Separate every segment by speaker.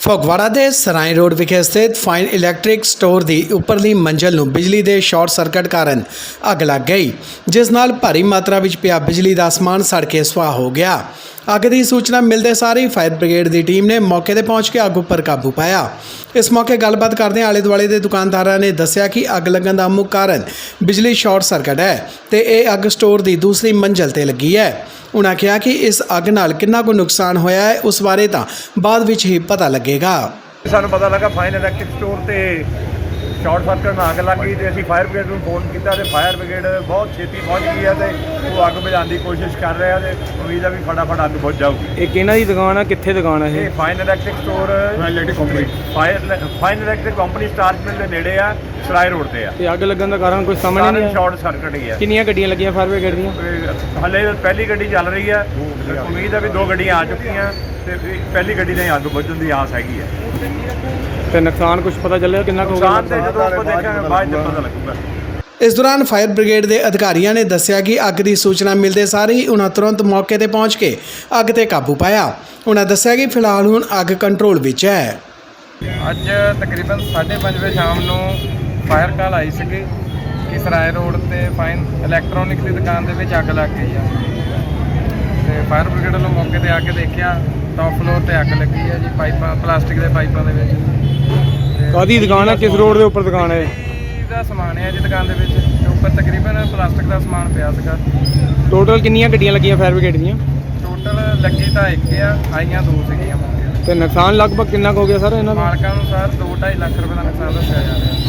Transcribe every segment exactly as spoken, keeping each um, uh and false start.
Speaker 1: ਫਗਵਾੜਾ ਦੇ ਸਰਾਏ ਰੋਡ ਵਿਖੇ ਸਥਿਤ ਫਾਈਨ ਇਲੈਕਟ੍ਰਿਕ ਸਟੋਰ ਦੀ ਉੱਪਰਲੀ ਮੰਜ਼ਲ ਨੂੰ ਬਿਜਲੀ ਦੇ ਸ਼ਾਰਟ ਸਰਕਟ ਕਾਰਨ ਅੱਗ ਲੱਗ ਗਈ, ਜਿਸ ਨਾਲ ਭਾਰੀ ਮਾਤਰਾ ਵਿੱਚ ਪਿਆ ਬਿਜਲੀ ਦਾ ਸਮਾਨ ਸੜ ਕੇ ਸੁਆਹ ਹੋ ਗਿਆ। ਅੱਗ ਦੀ ਸੂਚਨਾ ਮਿਲਦੇ ਸਾਰ ਹੀ ਫਾਇਰ ਬ੍ਰਿਗੇਡ ਦੀ ਟੀਮ ਨੇ ਮੌਕੇ ਤੇ ਪਹੁੰਚ ਕੇ ਅੱਗ ਉੱਪਰ ਕਾਬੂ ਪਾਇਆ। ਇਸ ਮੌਕੇ ਗੱਲਬਾਤ ਕਰਦਿਆਂ ਆਲੇ ਦੁਆਲੇ ਦੇ ਦੁਕਾਨਦਾਰਾਂ ਨੇ ਦੱਸਿਆ ਕਿ ਅੱਗ ਲੱਗਣ ਦਾ ਮੁੱਖ ਕਾਰਨ ਬਿਜਲੀ ਸ਼ਾਰਟ ਸਰਕਟ ਹੈ ਤੇ ਇਹ ਅੱਗ ਸਟੋਰ ਦੀ ਦੂਸਰੀ ਮੰਜ਼ਲ ਤੇ ਲੱਗੀ ਹੈ। उन्होंने कहा कि इस अग नाल कितना को नुकसान होया है उस बारे तो बाद विच ही पता लगेगा।
Speaker 2: सानू पता लगा फाइन इलैक्ट्रिक स्टोर ते शॉर्ट सर्किट में अग लग गई तो असीं फायर ब्रिगेड नूं फोन किया तो फायर ब्रिगेड बहुत छेती पहुँच गई है तो वो अग बुझाने की कोशिश कर रहे हैं तो उम्मीद है भी फटाफट अग बुझ जाऊगी।
Speaker 3: ਇਹ ਕਿਹਨਾਂ ਦੀ ਦੁਕਾਨ ਆ, ਕਿੱਥੇ ਦੁਕਾਨ ਆ
Speaker 2: ये
Speaker 3: ਇਹ?
Speaker 2: Fine electric store fire fine electric company starch mill के नेड़े आ सराय रोड ते आ।
Speaker 3: ਤੇ ਅੱਗ ਲੱਗਣ ਦਾ ਕਾਰਨ ਕੋਈ ਸਮਝ ਨਹੀਂ ਆਇਆ।
Speaker 2: शॉर्ट सर्किट ही है।
Speaker 3: ਕਿੰਨੀਆਂ ਗੱਡੀਆਂ ਲੱਗੀਆਂ ਫਾਇਰ ਬ੍ਰਿਗੇਡ ਦੀਆਂ?
Speaker 2: हले पहली गड्डी चल रही है, उम्मीद है भी दो गड्डियां आ चुकी हैं तो पहली गड्डी ने अग बुझण की आस हैगी है।
Speaker 3: ਤੇ ਨੁਕਸਾਨ ਕੁਝ ਪਤਾ ਚੱਲਿਆ ਕਿੰਨਾ ਕੁ ਹੋ ਗਿਆ?
Speaker 2: नुकसान तो जो आपको देखेंगे बाद में पता लगेगा।
Speaker 1: इस दौरान फायर ब्रिगेड के अधिकारियों ने दस्सिया कि अग की सूचना मिलते सार ही उन्होंने तुरंत मौके पर पहुँच के अग ते काबू पाया। उन्होंने दस्सिया कि फिलहाल हुण अग कंट्रोल विच है।
Speaker 4: ਅੱਜ ਤਕਰੀਬਨ ਸਾਢੇ ਪੰਜ ਵਜੇ ਸ਼ਾਮ ਨੂੰ ਫਾਇਰ ਕਾਲ ਆਈ ਸੀਗੀ ਕਿ ਸਰਾਏ ਰੋਡ ਤੇ ਫਾਈਨ ਇਲੈਕਟ੍ਰੋਨਿਕ ਦੀ ਦੁਕਾਨ ਦੇ ਵਿੱਚ ਅੱਗ ਲੱਗ ਗਈ ਆ ਤੇ ਫਾਇਰ ਬ੍ਰਿਗੇਡ ਵੱਲੋਂ ਮੌਕੇ ਤੇ ਆ ਕੇ ਦੇਖਿਆ ਟੌਪ ਫਲੋਰ ਤੇ ਅੱਗ ਲੱਗੀ ਆ ਜੀ, ਪਾਈਪਾਂ ਪਲਾਸਟਿਕ ਦੇ ਪਾਈਪਾਂ ਦੇ ਵਿੱਚ।
Speaker 3: ਕਾਹਦੀ ਦੁਕਾਨ ਹੈ, ਕਿਸ ਰੋਡ ਦੇ ਉੱਪਰ ਦੁਕਾਨ ਹੈ?
Speaker 4: ਦਾ ਸਮਾਨ ਹੈ ਜੀ ਦੁਕਾਨ ਦੇ ਵਿੱਚ ਤੇ ਉੱਪਰ ਤਕਰੀਬਨ ਪਲਾਸਟਿਕ ਦਾ ਸਮਾਨ ਪਿਆ ਸੀਗਾ।
Speaker 3: ਟੋਟਲ ਕਿੰਨੀਆਂ ਗੱਡੀਆਂ ਲੱਗੀਆਂ ਫਾਇਰ ਬ੍ਰਿਗੇਡ ਦੀਆਂ?
Speaker 4: ਟੋਟਲ ਲੱਗੀ ਤਾਂ ਇੱਕ ਆ, ਆਈਆਂ ਦੋ ਸੀਗੀਆਂ ਮੌਕੇ ਤੇ।
Speaker 3: ਤੇ ਨੁਕਸਾਨ ਲਗਭਗ ਕਿੰਨਾ ਕੁ ਹੋ ਗਿਆ ਸਰ ਇਹਨਾਂ ਦਾ?
Speaker 4: ਮਾਲਕਾਂ ਅਨੁਸਾਰ ਦੋ ਢਾਈ ਲੱਖ ਰੁਪਏ ਦਾ ਨੁਕਸਾਨ ਦੱਸਿਆ ਜਾ ਰਿਹਾ।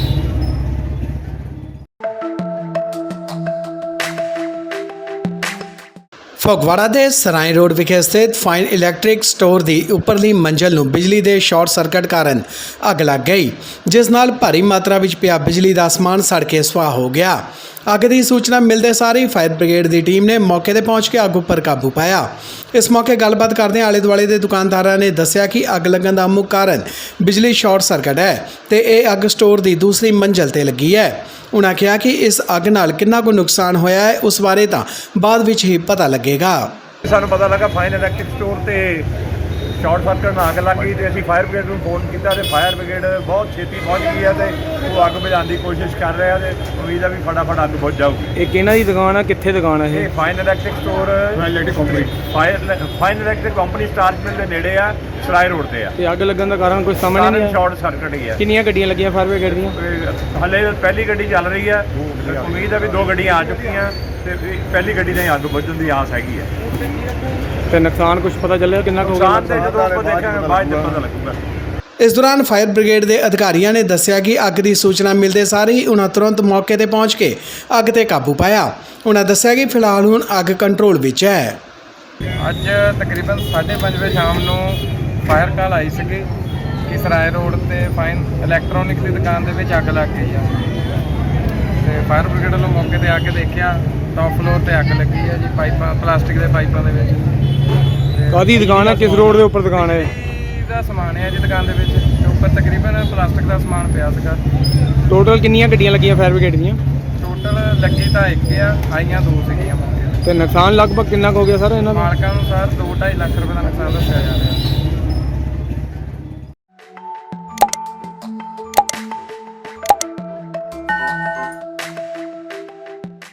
Speaker 1: ਫਗਵਾੜਾ ਦੇ ਸਰਾਏ ਰੋਡ ਵਿਖੇ ਸਥਿਤ ਫਾਈਨ ਇਲੈਕਟ੍ਰਿਕ ਸਟੋਰ ਦੀ ਉੱਪਰਲੀ ਮੰਜ਼ਲ ਨੂੰ ਬਿਜਲੀ ਦੇ ਸ਼ਾਰਟ ਸਰਕਟ ਕਾਰਨ ਅੱਗ ਲੱਗ ਗਈ, ਜਿਸ ਨਾਲ ਭਾਰੀ ਮਾਤਰਾ ਵਿੱਚ ਪਿਆ ਬਿਜਲੀ ਦਾ ਸਮਾਨ ਸੜ ਕੇ ਸੁਆਹ ਹੋ ਗਿਆ। ਅੱਗ ਦੀ ਸੂਚਨਾ ਮਿਲਦੇ ਸਾਰ ਹੀ ਫਾਇਰ ਬ੍ਰਿਗੇਡ ਦੀ ਟੀਮ ਨੇ ਮੌਕੇ ਤੇ ਪਹੁੰਚ ਕੇ ਅੱਗ ਉੱਪਰ ਕਾਬੂ ਪਾਇਆ। ਇਸ ਮੌਕੇ ਗੱਲਬਾਤ ਕਰਦਿਆਂ ਆਲੇ ਦੁਆਲੇ ਦੇ ਦੁਕਾਨਦਾਰਾਂ ਨੇ ਦੱਸਿਆ ਕਿ ਅੱਗ ਲੱਗਣ ਦਾ ਮੁੱਖ ਕਾਰਨ ਬਿਜਲੀ ਸ਼ਾਰਟ ਸਰਕਟ ਹੈ ਤੇ ਇਹ ਅੱਗ ਸਟੋਰ ਦੀ ਦੂਸਰੀ ਮੰਜ਼ਲ ਤੇ ਲੱਗੀ ਹੈ। उन्होंने कहा कि इस अग नाल कितना को नुकसान होया है उस बारे तो बाद विच ही पता लगेगा।
Speaker 2: सानू पता लगा फाइन इलैक्ट्रिक स्टोर ते शॉर्ट सर्किट में अग लग गई तो असीं फायर ब्रिगेड नूं फोन किया तो फायर ब्रिगेड बहुत छेती पहुँच गई है तो वो अग बुझाने की कोशिश कर रहे हैं तो उम्मीद है भी फटाफट अग बुझ जाऊगी।
Speaker 3: ਇਹ ਕਿਹਨਾਂ ਦੀ ਦੁਕਾਨ ਆ, ਕਿੱਥੇ ਦੁਕਾਨ ਆ
Speaker 2: ये
Speaker 3: ਇਹ?
Speaker 2: Fine electric store fire fine electric company starch mill के नेड़े आ सराय रोड ते आ।
Speaker 3: ਤੇ ਅੱਗ ਲੱਗਣ ਦਾ ਕਾਰਨ ਕੋਈ ਸਮਝ ਨਹੀਂ ਆਇਆ।
Speaker 2: शॉर्ट सर्किट ही है।
Speaker 3: ਕਿੰਨੀਆਂ ਗੱਡੀਆਂ ਲੱਗੀਆਂ ਫਾਇਰ ਬ੍ਰਿਗੇਡ ਦੀਆਂ?
Speaker 2: हले पहली गड्डी चल रही है, उम्मीद है भी दो गड्डियां आ चुकी हैं तो पहली गड्डी ने अग बुझण की आस हैगी है।
Speaker 3: ਤੇ ਨੁਕਸਾਨ ਕੁਝ ਪਤਾ ਚੱਲਿਆ ਕਿੰਨਾ ਕੁ ਹੋ ਗਿਆ?
Speaker 2: नुकसान तो जो आपको देखेंगे बाद में पता लगेगा।
Speaker 1: इस दौरान फायर ब्रिगेड के अधिकारियों ने दस्सिया कि अग की सूचना मिलते सार ही उन्होंने तुरंत मौके पर पहुँच के अग ते काबू पाया। उन्होंने दस्सिया कि फिलहाल हुण अग कंट्रोल विच है।
Speaker 4: ਅੱਜ ਤਕਰੀਬਨ ਸਾਢੇ ਪੰਜ ਵਜੇ ਸ਼ਾਮ ਨੂੰ ਫਾਇਰ ਕਾਲ ਆਈ ਸੀਗੀ ਕਿ ਸਰਾਏ ਰੋਡ ਤੇ ਫਾਈਨ ਇਲੈਕਟ੍ਰੋਨਿਕ ਦੀ ਦੁਕਾਨ ਦੇ ਵਿੱਚ ਅੱਗ ਲੱਗ ਗਈ ਆ ਤੇ ਫਾਇਰ ਬ੍ਰਿਗੇਡ ਵੱਲੋਂ ਮੌਕੇ ਤੇ ਆ ਕੇ ਦੇਖਿਆ ਟੌਪ ਫਲੋਰ ਤੇ ਅੱਗ ਲੱਗੀ ਆ ਜੀ, ਪਾਈਪਾਂ ਪਲਾਸਟਿਕ ਦੇ ਪਾਈਪਾਂ ਦੇ ਵਿੱਚ।
Speaker 3: ਕਾਹਦੀ ਦੁਕਾਨ ਹੈ, ਕਿਸ ਰੋਡ ਦੇ ਉੱਪਰ ਦੁਕਾਨ ਹੈ?
Speaker 4: ਦਾ ਸਮਾਨ ਹੈ ਜੀ ਦੁਕਾਨ ਦੇ ਵਿੱਚ ਤੇ ਉੱਪਰ ਤਕਰੀਬਨ ਪਲਾਸਟਿਕ ਦਾ ਸਮਾਨ ਪਿਆ ਸੀਗਾ।
Speaker 3: ਟੋਟਲ ਕਿੰਨੀਆਂ ਗੱਡੀਆਂ ਲੱਗੀਆਂ ਫਾਇਰ ਬ੍ਰਿਗੇਡ ਦੀਆਂ?
Speaker 4: ਟੋਟਲ ਲੱਗੀ ਤਾਂ ਇੱਕ ਆ, ਆਈਆਂ ਦੋ ਸੀਗੀਆਂ ਮੌਕੇ ਤੇ।
Speaker 3: ਤੇ ਨੁਕਸਾਨ ਲਗਭਗ ਕਿੰਨਾ ਕੁ ਹੋ ਗਿਆ ਸਰ ਇਹਨਾਂ ਦਾ?
Speaker 4: ਮਾਲਕਾਂ ਅਨੁਸਾਰ ਦੋ ਢਾਈ ਲੱਖ ਰੁਪਏ ਦਾ ਨੁਕਸਾਨ ਦੱਸਿਆ ਜਾ ਰਿਹਾ।